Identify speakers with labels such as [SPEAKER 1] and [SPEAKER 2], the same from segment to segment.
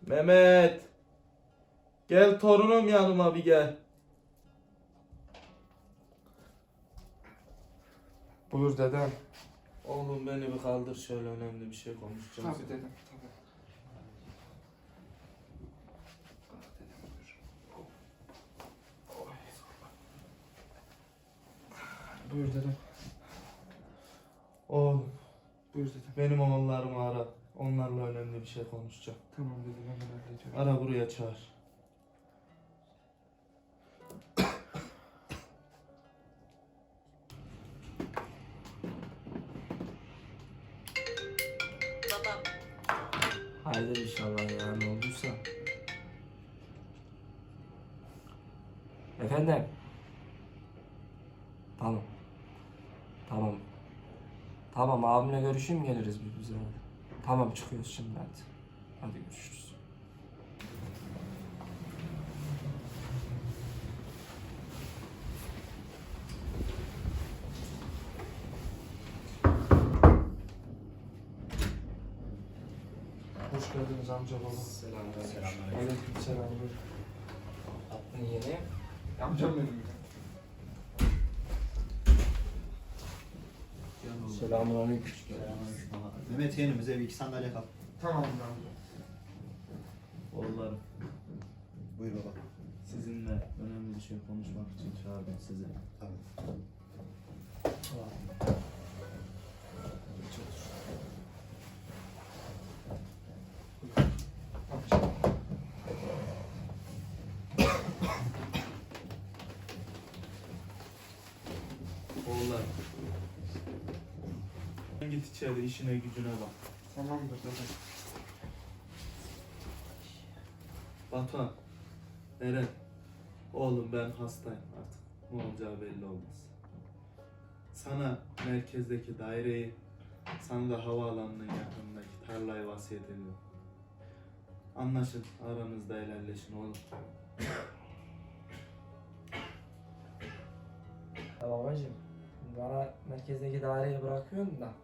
[SPEAKER 1] Mehmet. Gel torunum yanıma bir gel.
[SPEAKER 2] Buyur dedem.
[SPEAKER 1] Oğlum beni bir kaldır, şöyle önemli bir şey konuşacağım.
[SPEAKER 2] Tabii dedem, tabii. Ah dedem buyur. Oy. Buyur dedem.
[SPEAKER 1] Oğlum
[SPEAKER 2] Buyur dedem.
[SPEAKER 1] benim oğullarımı ara. Onlarla önemli bir şey konuşacağım.
[SPEAKER 2] Tamam dedem, hemen hallediyorum.
[SPEAKER 1] Ara, buraya çağır.
[SPEAKER 3] Babam.
[SPEAKER 4] Hayırdır inşallah ya, ne olduysa. Efendim? Tamam. Tamam. Tamam, abimle görüşeyim, geliriz biz bize. Tamam, çıkıyoruz şimdi hadi. Hadi görüşürüz.
[SPEAKER 2] Hoş geldiniz amca baba.
[SPEAKER 4] Selamünaleyküm.
[SPEAKER 2] Aleykümselam. Buyur.
[SPEAKER 4] Aklın yeni.
[SPEAKER 2] Amcam benim ya.
[SPEAKER 4] Selamünaleyküm.
[SPEAKER 5] Mehmet yeğenim bize bir iki sandalye kap.
[SPEAKER 2] Tamam amca.
[SPEAKER 1] Oğullarım,
[SPEAKER 5] Buyur baba.
[SPEAKER 1] sizinle önemli bir şey konuşmak için çağırdım sizi.
[SPEAKER 5] Tabii.
[SPEAKER 2] Amca.
[SPEAKER 1] Oğullarım. Sen git içeri, işine gücüne bak.
[SPEAKER 2] Tamamdır dedem.
[SPEAKER 1] Batuhan, Eren, oğlum ben hastayım artık. Ne olacağı belli olmaz. Sana merkezdeki daireyi, sana da havaalanının yakınındaki tarlayı vasiyet ediyorum. Anlaşın, aranızda helalleşin oğlum.
[SPEAKER 4] Ya babacığım, bana merkezdeki daireyi bırakıyorsun da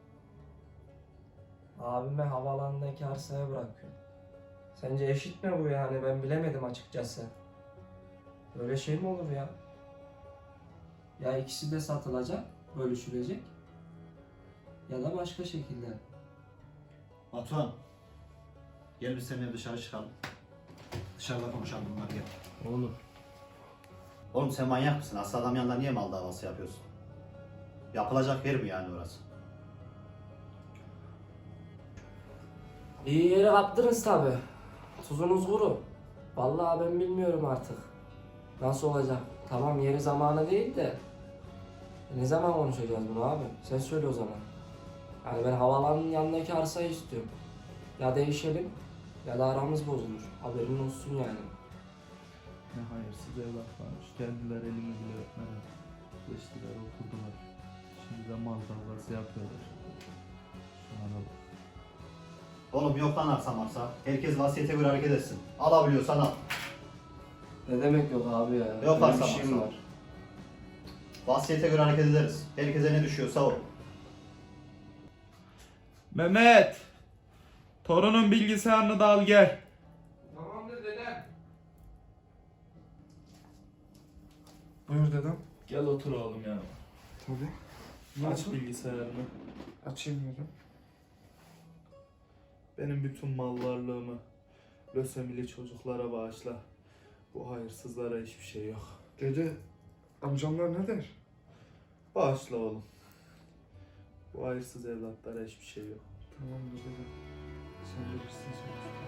[SPEAKER 4] abime havaalanındaki arsaya bırakıyorsun. Sence eşit mi bu yani? Ben bilemedim açıkçası. Böyle şey mi olur ya? Ya ikisi de satılacak, bölüşülecek ya da başka şekilde.
[SPEAKER 5] Batuhan. Gel biz seninle dışarı çıkalım. Dışarıda konuşalım bunlar gel.
[SPEAKER 1] Oğlum,
[SPEAKER 5] Oğlum sen manyak mısın? Hasta adam yanında niye mal davası yapıyorsun? Yapılacak yer mi yani orası?
[SPEAKER 4] Bir yere kaptınız tabi. Tuzunuz kuru. Vallahi ben bilmiyorum artık. Nasıl olacak? Tamam, yeri zamanı değil de ne zaman konuşacağız bunu abi? Sen söyle o zaman. Yani ben havaalanının yanındaki arsayı istiyorum. Ya değişelim ya da aramız bozulur. Haberin olsun yani.
[SPEAKER 1] ne hayırsız evlatlarmış. Geldiler, elimi bile öpmeden. Geçtiler, oturdular. Şimdi de mal davası yapıyorlar. Şu ana bak.
[SPEAKER 5] Oğlum yok lan arsa marsa. Herkes vasiyete göre hareket etsin. Alabiliyorsan al.
[SPEAKER 4] Ne demek yok abi ya?
[SPEAKER 5] Yok
[SPEAKER 4] Öyle bir
[SPEAKER 5] arsa
[SPEAKER 4] şeyim
[SPEAKER 5] varsa.
[SPEAKER 4] var.
[SPEAKER 5] Vasiyete göre hareket ederiz. Herkese ne düşüyorsa o.
[SPEAKER 1] Mehmet! Torunun bilgisayarını da al gel.
[SPEAKER 2] Tamamdır dedem. Buyur dedem.
[SPEAKER 1] Gel otur oğlum yanıma.
[SPEAKER 2] Tabii.
[SPEAKER 1] Aç bilgisayarını.
[SPEAKER 2] Açayım dedem.
[SPEAKER 1] Benim bütün mal varlığımı lösemili çocuklara bağışla. Bu hayırsızlara hiçbir şey yok.
[SPEAKER 2] Dede, amcamlar ne der?
[SPEAKER 1] Bağışla oğlum. Bu hayırsız evlatlara hiçbir şey yok.
[SPEAKER 2] Tamamdır dedem. Sen bilirsin sen.